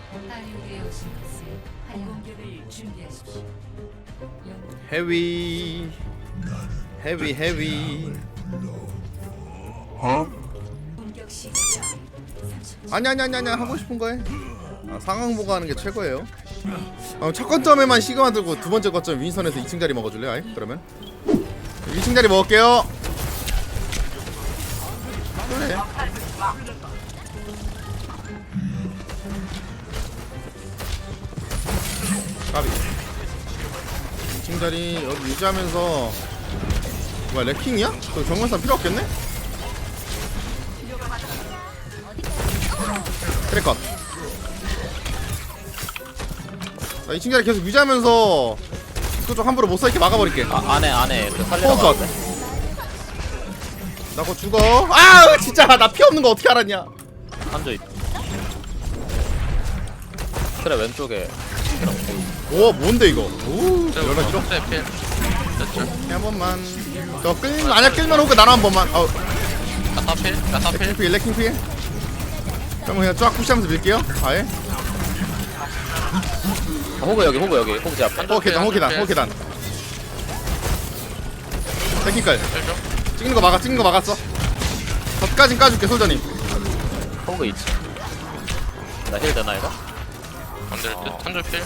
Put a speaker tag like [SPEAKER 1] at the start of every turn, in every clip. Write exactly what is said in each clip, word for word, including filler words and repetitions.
[SPEAKER 1] 헤비 헤비 헤비 어? 아니 아니 아니 아니 하고 싶은 거 해. 아, 상황 보고 하는 게 최고예요. 어, 첫 거점에만 시그마 들고 두 번째 거점 윈선에서 이 층 자리 먹어줄래? 아이 그러면 이 층 자리 먹을게요. 그래. 까비. 이 층 자리 여기 유지하면서 뭐야 레킹이야? 그 정면산 필요 없겠네? 트랙컷. 자, 이 층 자리 계속 유지하면서 그쪽 함부로 못 서 있게 막아버릴게.
[SPEAKER 2] 아, 안에 안에 그 살리러
[SPEAKER 1] 컷.
[SPEAKER 2] 가는데.
[SPEAKER 1] 나 그거 죽어. 아 진짜 나 피 없는 거 어떻게 알았냐?
[SPEAKER 2] 한조 있. 그래 왼쪽에.
[SPEAKER 1] 오 뭔데 이거? 오 연락 길어.
[SPEAKER 3] 필. 됐죠.
[SPEAKER 1] 한 번만. 저 끌 만약 끌면 호그 나눠 한 번만. 어
[SPEAKER 3] 야타 필. 야타
[SPEAKER 1] 레킹
[SPEAKER 3] 필.
[SPEAKER 1] 피해 레킹 피해. 그럼 그냥 쫙 푸시하면서 밀게요. 아예.
[SPEAKER 2] 아, 호그 여기 호그 여기 호그 제 앞에.
[SPEAKER 1] 호 계단 호 계단 호 계단. 레킹깔.
[SPEAKER 3] 필 좀.
[SPEAKER 1] 찍는 거 막아 찍는 거 막았어. 덧까진 까줄게 솔저님.
[SPEAKER 2] 호그 있지. 나 힐 되나 이거?
[SPEAKER 3] 안 될 듯. 한조 필.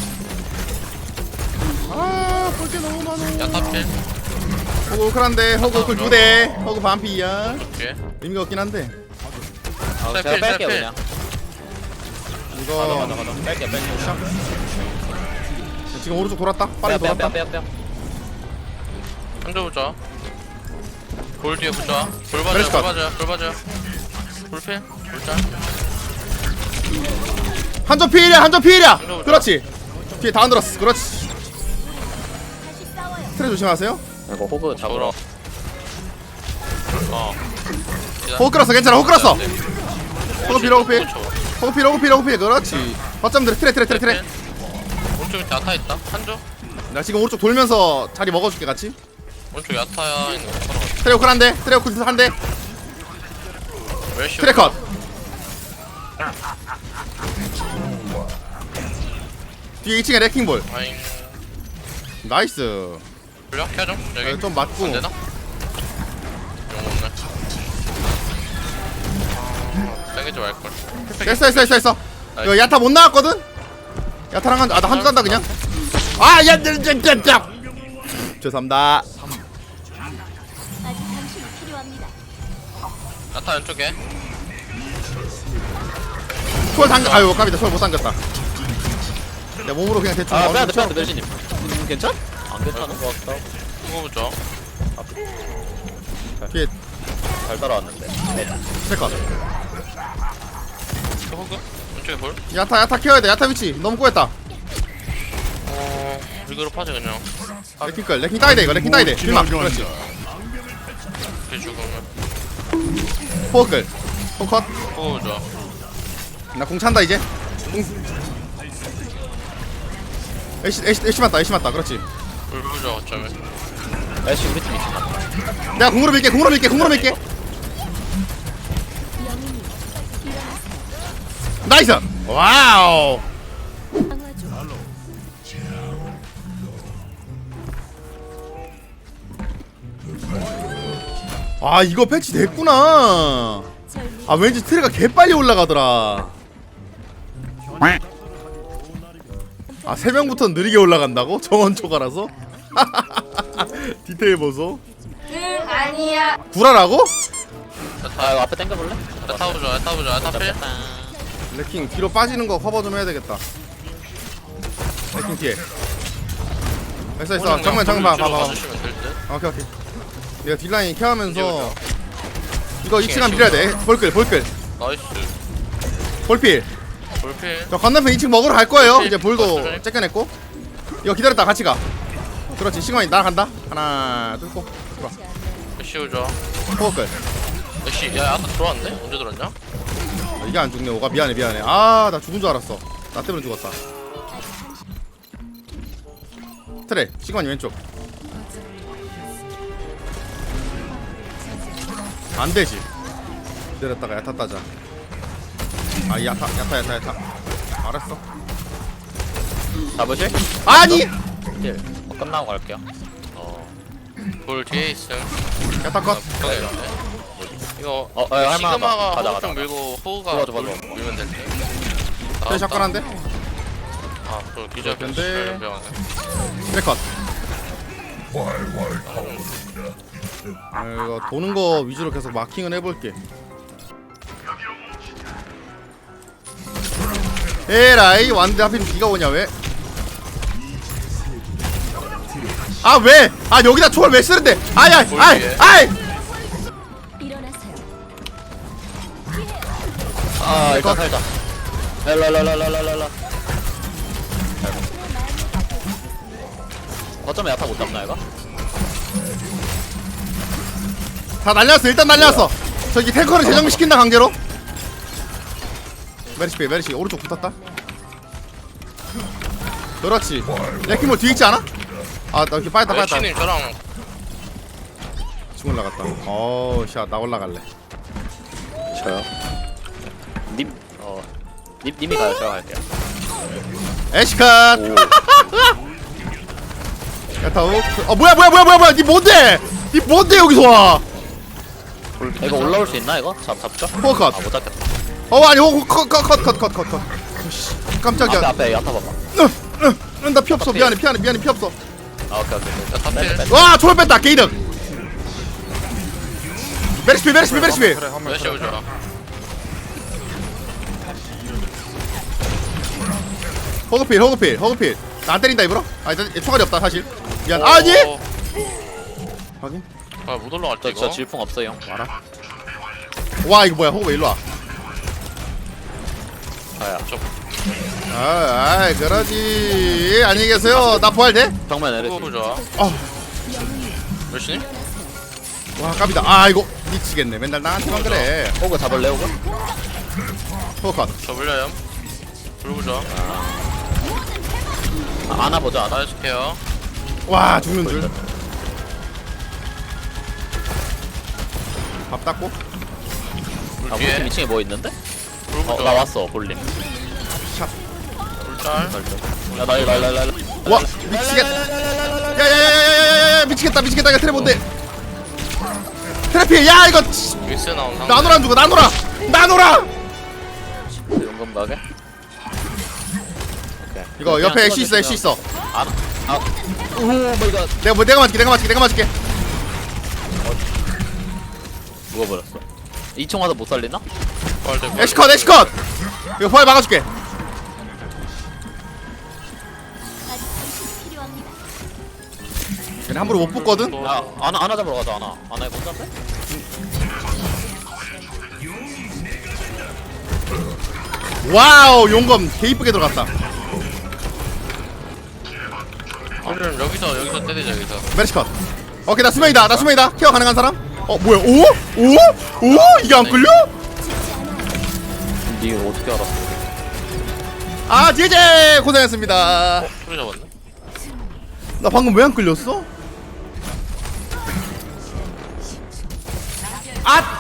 [SPEAKER 1] 아 볼게 너무 많아.
[SPEAKER 3] 야타 필.
[SPEAKER 1] 호그 우클한데 호그 우클 두 대. 호그 반피야.
[SPEAKER 3] 뒤에.
[SPEAKER 1] 의미가 없긴 한데.
[SPEAKER 2] 아,
[SPEAKER 3] 셀
[SPEAKER 2] 제가
[SPEAKER 3] 필,
[SPEAKER 2] 뺄게요
[SPEAKER 3] 셀
[SPEAKER 2] 그냥.
[SPEAKER 1] 이거
[SPEAKER 2] 가자 가자 가자. 뺄게 뺄게.
[SPEAKER 1] 지금 오른쪽 돌았다. 빠르게 돌았다.
[SPEAKER 2] 빼빼빼빼.
[SPEAKER 3] 한조 보자. 볼 뒤에 보자. 볼 봐줘.
[SPEAKER 1] 메르시
[SPEAKER 3] 볼
[SPEAKER 1] 컷.
[SPEAKER 3] 봐줘. 볼 봐줘. 볼 필. 볼 짤.
[SPEAKER 1] 한점 피해야 한점 피해야.
[SPEAKER 3] 한점
[SPEAKER 1] 그렇지. 뒤에 다 흔들었어. 그렇지. 트레 조심하세요.
[SPEAKER 2] 이거 호그 잡으러.
[SPEAKER 3] 어.
[SPEAKER 1] 호그 끌었어. 괜찮아. 호그 끌었어.
[SPEAKER 3] 네.
[SPEAKER 1] 호그 필 호그 필. 호그 필 호그 필 호그 필. 그렇지. 거점들 트레 트레 트레 트레.
[SPEAKER 3] 오른쪽 밑에 야타 있다. 한조.
[SPEAKER 1] 나 지금 오른쪽 돌면서 자리 먹어줄게 같이.
[SPEAKER 3] 오른쪽 야타야 있는 거 걸어가.
[SPEAKER 1] 트레 호크 한 대. 트레 호크 한 대.
[SPEAKER 3] 웰시.
[SPEAKER 1] 트레 컷. 뒤에 이 층에 레킹볼.
[SPEAKER 3] 아잉.
[SPEAKER 1] 나이스.
[SPEAKER 3] 불려? 켜 좀. 여기.
[SPEAKER 1] 아, 좀 맞고.
[SPEAKER 3] 안 되나? 용 없네. 아, 땡기지 말걸.
[SPEAKER 1] 됐어 됐어 됐어 됐어. 이거 야타 못 나왔거든? 야타랑 한, 아, 나 한 줄 간다 그냥. 아, 야, 야, 야, 야, 야. 죄송합니다.
[SPEAKER 3] 야타 왼쪽에.
[SPEAKER 1] 초월 당겨, 아유, 까비다. 초월 못 당겼다. 내 몸으로 그냥 대충.
[SPEAKER 2] 아
[SPEAKER 1] 어느
[SPEAKER 2] 빼야돼
[SPEAKER 1] 정도
[SPEAKER 2] 빼야돼 멜시님. 괜찮? 안 괜찮은 것 같다.
[SPEAKER 3] 그거 보자.
[SPEAKER 1] 뒤에
[SPEAKER 2] 잘 따라왔는데.
[SPEAKER 1] 잠깐.
[SPEAKER 3] 그 호그? 왼쪽에 볼?
[SPEAKER 1] 야타, 야타 키워야 돼. 야타 위치 너무 꼬였다.
[SPEAKER 3] 어... 리그로 파지 그냥.
[SPEAKER 1] 레킹 끌, 레킹 따야 돼 이거. 레킹 따야 돼. 실망. 그렇지.
[SPEAKER 3] 이렇게 죽으면.
[SPEAKER 1] 포어 끌. 포컷.
[SPEAKER 3] 그거 보자.
[SPEAKER 1] 나 공 찬다 이제. 공. 애쉬, 애쉬, 애쉬 맞다. 애쉬 맞다. 그렇지.
[SPEAKER 3] 볼 보자 어쩌면.
[SPEAKER 2] 멜시 우리 팀 있지 마.
[SPEAKER 1] 내가 공으로 밀게. 공으로 밀게. 공으로 밀게. 나이스. 와우. 아 이거 패치 됐구나. 아 왠지 트레가 개빨리 올라가더라. 아 세 명부터 느리게 올라간다고? 정원 초과라서? 디테일 보소.
[SPEAKER 4] 응 아니야.
[SPEAKER 1] 구라라고?
[SPEAKER 2] 아 이거 앞에 당겨볼래?
[SPEAKER 3] 야타 보자. 야타 보자. 야타 필.
[SPEAKER 1] 레킹 뒤로 빠지는 거 커버 좀 해야 되겠다. 레킹 뒤에. 됐어 됐어. 정면 정면 봐 봐봐.
[SPEAKER 3] 봐주시면 될 듯.
[SPEAKER 1] 오케이 오케이. 내가 딜라인 케어하면서 이거 이 층간 밀어야 돼. 볼끌 볼끌
[SPEAKER 3] 나이스.
[SPEAKER 1] 볼필.
[SPEAKER 3] 볼 필.
[SPEAKER 1] 저 건너편 이 층 먹으러 갈 거예요.
[SPEAKER 3] 볼필.
[SPEAKER 1] 이제 볼도
[SPEAKER 3] 볼필.
[SPEAKER 1] 째껴냈고. 이거 기다렸다 같이 가. 그렇지 시간이 날아간다. 하나 뚫고 들어와.
[SPEAKER 3] 애쉬 보자.
[SPEAKER 1] 포끌.
[SPEAKER 3] 애쉬. 야 야타 들어왔네? 언제 들어왔냐?
[SPEAKER 1] 아, 이게 안 죽네. 오가 미안해 미안해. 아 나 죽은 줄 알았어. 나 때문에 죽었다. 트레 시간이 왼쪽. 안 되지. 기다렸다가 야타 따자. 아 야타 야타 야타 야타. 알았어.
[SPEAKER 2] 잡으실?
[SPEAKER 1] 아니.
[SPEAKER 2] 딜. 어, 끝나고 갈게요.
[SPEAKER 3] 볼 뒤에 있음.
[SPEAKER 1] 야타 컷.
[SPEAKER 3] 북방에 있네. 이거
[SPEAKER 2] 어, 어, 할 만하다.
[SPEAKER 3] 시그마가
[SPEAKER 2] 가자,
[SPEAKER 3] 호흡
[SPEAKER 2] 가자.
[SPEAKER 3] 좀 밀고 호우가
[SPEAKER 2] 좋아, 좋아,
[SPEAKER 3] 물-
[SPEAKER 2] 좋아.
[SPEAKER 3] 밀면 될 듯.
[SPEAKER 1] 쟤 샷건한데.
[SPEAKER 3] 아, 그 기절
[SPEAKER 1] 근데-
[SPEAKER 3] 연병하네.
[SPEAKER 1] 그래 컷. 아, 이거 도는 거 위주로 계속 마킹을 해볼게. 에라이 왔는데 하필 비가 오냐 왜? 아 왜? 아 여기다 총을 왜 쓰는데? 아야, 아이, 아이.
[SPEAKER 2] 아, 일단 살자. 랄랄랄랄랄랄라. 어쩌면 야타 못 잡나, 이거?
[SPEAKER 1] 다 날렸어. 일단 날렸어. 저기 탱커를 재정비시킨다 강제로. 메리시 빼, 메리시 오른쪽 붙었다. 그렇지. 레킹볼 뒤에 있지 않아? 아, 나 이렇게 빠졌다, 빠졌다.
[SPEAKER 3] 여친님 저랑
[SPEAKER 1] 지금 올라갔다. 어우, 샷, 나 올라갈래.
[SPEAKER 2] 저요? 님, 어, 님, 님이 가요. 제가 갈게요.
[SPEAKER 1] 에시컷.
[SPEAKER 2] 오.
[SPEAKER 1] 야타우. 어, 뭐야, 뭐야, 뭐야, 뭐야, 뭐야. 니 뭔데? 니 뭔데 여기서 와?
[SPEAKER 2] 이거 올라올 수 있나, 이거? 잡, 잡죠?
[SPEAKER 1] 포컷.
[SPEAKER 2] 아, 못 잡겠다.
[SPEAKER 1] 어, 아니, 어, 컷, 컷, 컷, 컷, 컷, 컷, 컷. 씨,
[SPEAKER 2] 앞에,
[SPEAKER 1] 깜짝이야.
[SPEAKER 2] 앞에 야타 봐봐.
[SPEAKER 1] 으, 으, 나 피 없어. 미안해, 미안해, 미안해, 피 없어.
[SPEAKER 2] 아, 오케이, 오케이. 오케이.
[SPEAKER 3] 야타
[SPEAKER 2] 빼,
[SPEAKER 3] 필.
[SPEAKER 2] 빼, 빼.
[SPEAKER 1] 와, 초월 뺐다. 게이득. 메리시, 메리시, 메리시.
[SPEAKER 3] 몇시 오죠?
[SPEAKER 1] 허그필, 허그필, 허그필. 나 안 때린다 입으로? 아, 일단 얘 총알이 없다 사실. 미안. 아니. 확인.
[SPEAKER 3] 아못 올라갈 때
[SPEAKER 2] 저, 저
[SPEAKER 3] 이거.
[SPEAKER 2] 질풍 없어요.
[SPEAKER 1] 와라. 와, 이거 뭐야? 허그 왜 일로 와?
[SPEAKER 2] 아야.
[SPEAKER 1] 아, 아이, 그러지. 안녕히 계세요. 나 부활 돼?
[SPEAKER 2] 정면 에르시.
[SPEAKER 3] 호흡 좋아.
[SPEAKER 1] 아,
[SPEAKER 3] 몇시님?
[SPEAKER 1] 와, 깝이다. 아, 이거 미치겠네. 맨날 나한테만 그래.
[SPEAKER 2] 호그 잡을래, 호그?
[SPEAKER 1] 허그 컷.
[SPEAKER 3] 저 물려요. 불구 좋아.
[SPEAKER 2] 아, 안아 보자, 안아.
[SPEAKER 3] 나해줄게요.
[SPEAKER 1] 와, 죽는 줄. 밥 닦고.
[SPEAKER 3] 불
[SPEAKER 2] 아,
[SPEAKER 3] 뒤에.
[SPEAKER 2] 무슨 이 층에 뭐 있는데?
[SPEAKER 3] 불구
[SPEAKER 2] 어,
[SPEAKER 3] 좋아.
[SPEAKER 2] 나 왔어, 볼림.
[SPEAKER 3] 불짤.
[SPEAKER 2] 야, 나, 나, 나, 나, 나.
[SPEAKER 1] 와, 미치겠다. 야야야야야야야, 미치겠다, 미치겠다. 이거 트랩 뭔데? 트래피, 야 이거
[SPEAKER 3] 윈스 나온 상대.
[SPEAKER 1] 나노라 안 주고 나노라, 나노라.
[SPEAKER 2] 용감 가게? 오케이.
[SPEAKER 1] 이거 옆에 애쉬 있어, 애쉬 있어.
[SPEAKER 2] 안, 아, 오 마이 갓.
[SPEAKER 1] 내가 뭐 내가 맞을게, 내가 맞을게, 내가 맞을게.
[SPEAKER 2] 죽어버렸어. 이 층 와서 못 살리나?
[SPEAKER 1] 애쉬 컷, 애쉬 컷. 이거 포알 막아줄게. 얘네 함부로 못 붙거든.
[SPEAKER 2] 야, 아나, 아나 잡으러 가자, 아나. 아나 못 잡네?
[SPEAKER 1] 와우, 용검 개 이쁘게 들어갔다.
[SPEAKER 3] 우리는 여기서 여기서 때리자 여기서.
[SPEAKER 1] 메리시 컷. 오케이, 나 수명이다, 나 수명이다. 케어 가능한 사람? 어 뭐야? 오? 오? 오? 이게 안 끌려?
[SPEAKER 2] 니 이거 어떻게 알았어?
[SPEAKER 1] 아, 제제 고생했습니다.
[SPEAKER 3] 소리 잡았네.
[SPEAKER 1] 나 방금 왜 안 끌렸어? 아!